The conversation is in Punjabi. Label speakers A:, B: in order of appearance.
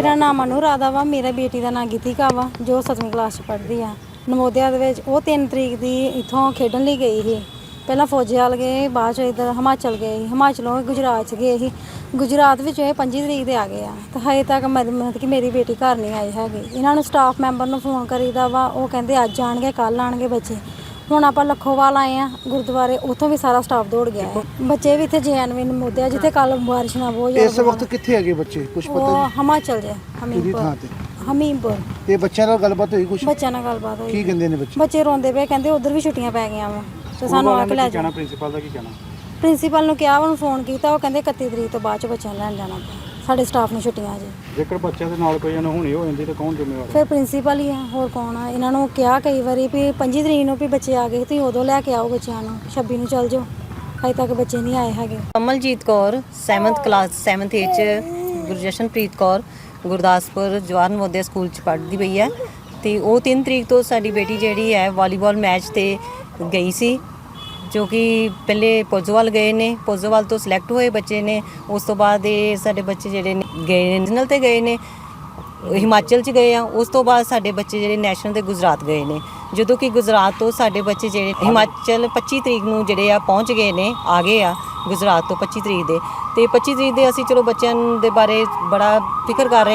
A: ਮੇਰਾ ਨਾਮ ਅਨੁਰਾਧਾ ਵਾ। ਮੇਰਾ ਬੇਟੀ ਦਾ ਨਾਮ ਗੀਤਿਕਾ ਵਾ ਜੋ 7ਵੀਂ ਕਲਾਸ 'ਚ ਪੜ੍ਹਦੀ ਆ ਨਵੋਦਿਆ ਦੇ ਵਿੱਚ। ਉਹ 3 ਤਰੀਕ ਦੀ ਇੱਥੋਂ ਖੇਡਣ ਲਈ ਗਈ ਸੀ। ਪਹਿਲਾਂ ਫੌਜੀਆਲ ਗਏ, ਬਾਅਦ 'ਚ ਇੱਧਰ ਹਿਮਾਚਲ ਗਏ ਸੀ, ਹਿਮਾਚਲੋਂ ਗੁਜਰਾਤ 'ਚ ਗਏ ਸੀ। ਗੁਜਰਾਤ ਵਿੱਚ ਇਹ 25 ਤਰੀਕ ਦੇ ਆ ਗਏ ਆ ਤੇ ਹਜੇ ਤੱਕ ਮਤਲਬ ਕਿ ਮੇਰੀ ਬੇਟੀ ਘਰ ਨਹੀਂ ਆਈ ਹੈਗੀ। ਇਹਨਾਂ ਨੂੰ ਸਟਾਫ ਮੈਂਬਰ ਨੂੰ ਫੋਨ ਕਰੀਦਾ ਵਾ, ਉਹ ਕਹਿੰਦੇ ਅੱਜ ਆਣਗੇ ਕੱਲ੍ਹ ਆਣਗੇ ਬੱਚੇ। ਹੁਣ ਆਪਾਂ ਲੱਖੋਵਾਲ ਆਏ ਆ ਗੁਰਦੁਆਰੇ, ਉੱਥੋਂ ਵੀ ਸਾਰਾ ਸਟਾਫ ਦੌੜ ਗਿਆ ਹੈ। ਬੱਚੇ ਵੀ ਇੱਥੇ JNV ਨਵੋਦਿਆ ਜਿੱਥੇ ਕੱਲ ਬਾਰਿਸ਼ ਨਾਲ ਬਹੁਤ ਜ਼ਿਆਦਾ।
B: ਇਸ ਵਕਤ ਕਿੱਥੇ ਹੈਗੇ ਬੱਚੇ, ਕੁਝ ਪਤਾ
A: ਉਹ ਹਿਮਾਚਲ ਦੇ ਹਮੀਰਪੁਰ।
B: ਤੇ ਬੱਚਿਆਂ ਨਾਲ ਗੱਲਬਾਤ ਹੋਈ ਕੁਝ?
A: ਬੱਚਿਆਂ ਨਾਲ ਗੱਲਬਾਤ ਹੋਈ।
B: ਕੀ ਕਹਿੰਦੇ ਨੇ ਬੱਚੇ?
A: ਬੱਚੇ ਰੋਂਦੇ ਪਏ, ਕਹਿੰਦੇ ਉਧਰ ਵੀ ਛੁੱਟੀਆਂ ਪੈ ਗਈਆਂ ਵਾ ਤੇ ਸਾਨੂੰ ਆ ਕੇ ਲੈ ਜਾਣਾ।
C: ਪ੍ਰਿੰਸੀਪਲ ਦਾ ਕੀ ਕਹਿਣਾ?
A: ਪ੍ਰਿੰਸੀਪਲ ਨੂੰ ਕਿਹਾ, ਉਹਨੂੰ ਫੋਨ ਕੀਤਾ, ਉਹ ਕਹਿੰਦੇ 31 ਤਰੀਕ ਤੋਂ ਬਾਅਦ ਚ ਬੱਚਿਆਂ ਨੂੰ ਲੈਣ ਜਾਣਾ। ਸਾਡੇ ਸਟਾਫ ਨੂੰ ਛੁੱਟੀਆਂ ਜੀ।
C: ਜੇਕਰ ਬੱਚਿਆਂ ਦੇ ਨਾਲ ਕੋਈ ਅਣਹੋਣੀ ਹੋ ਜਾਂਦੀ ਤਾਂ ਕੌਣ ਜ਼ਿੰਮੇਵਾਰ?
A: ਫਿਰ ਪ੍ਰਿੰਸੀਪਲ ਹੀ ਆ, ਹੋਰ ਕੌਣ ਆ। ਇਹਨਾਂ ਨੂੰ ਕਿਹਾ ਕਈ ਵਾਰੀ ਵੀ 25 ਤਰੀਕ ਨੂੰ ਵੀ ਬੱਚੇ ਆ ਗਏ, ਤੁਸੀਂ ਉਦੋਂ ਲੈ ਕੇ ਆਓ ਬੱਚਿਆਂ ਨੂੰ, 26 ਨੂੰ ਚੱਲ ਜਾਓ। ਅਜੇ ਤੱਕ ਬੱਚੇ ਨਹੀਂ ਆਏ ਹੈਗੇ।
D: Kamaljit Kaur 7th class 7th A 'ਚ, ਗੁਰਜਸ਼ਨਪ੍ਰੀਤ ਕੌਰ ਗੁਰਦਾਸਪੁਰ ਜਵਾਹਰ ਨਵੋਦਿਆ ਸਕੂਲ 'ਚ ਪੜ੍ਹਦੀ ਪਈ ਹੈ। ਅਤੇ ਉਹ 3 ਤਰੀਕ ਤੋਂ ਸਾਡੀ ਬੇਟੀ ਜਿਹੜੀ ਹੈ ਵਾਲੀਬਾਲ ਮੈਚ 'ਤੇ ਗਈ ਸੀ, ਜੋ ਕਿ ਪਹਿਲੇ ਪੋਜੋਵਾਲ ਗਏ ਨੇ। ਪੋਜੋਵਾਲ ਤੋਂ ਸਿਲੈਕਟ ਹੋਏ ਬੱਚੇ ਨੇ। ਉਸ ਤੋਂ ਬਾਅਦ ਇਹ ਸਾਡੇ ਬੱਚੇ ਜਿਹੜੇ ਨੇ ਗਏ ਨੇ ਨੈਸ਼ਨਲ 'ਤੇ ਗਏ ਨੇ, ਹਿਮਾਚਲ 'ਚ ਗਏ ਆ। ਉਸ ਤੋਂ ਬਾਅਦ ਸਾਡੇ ਬੱਚੇ ਜਿਹੜੇ ਨੈਸ਼ਨਲ 'ਤੇ ਗੁਜਰਾਤ ਗਏ ਨੇ। ਜਦੋਂ ਕਿ ਗੁਜਰਾਤ ਤੋਂ ਸਾਡੇ ਬੱਚੇ ਜਿਹੜੇ ਹਿਮਾਚਲ 25 ਤਰੀਕ ਨੂੰ ਜਿਹੜੇ ਆ ਪਹੁੰਚ ਗਏ ਨੇ, ਆ ਗਏ ਆ ਗੁਜਰਾਤ ਤੋਂ 25 ਤਰੀਕ ਦੇ। ਅਤੇ 25 ਤਰੀਕ ਦੇ ਅਸੀਂ ਚਲੋ ਬੱਚਿਆਂ ਦੇ ਬਾਰੇ ਬੜਾ ਫਿਕਰ ਕਰ ਰਹੇ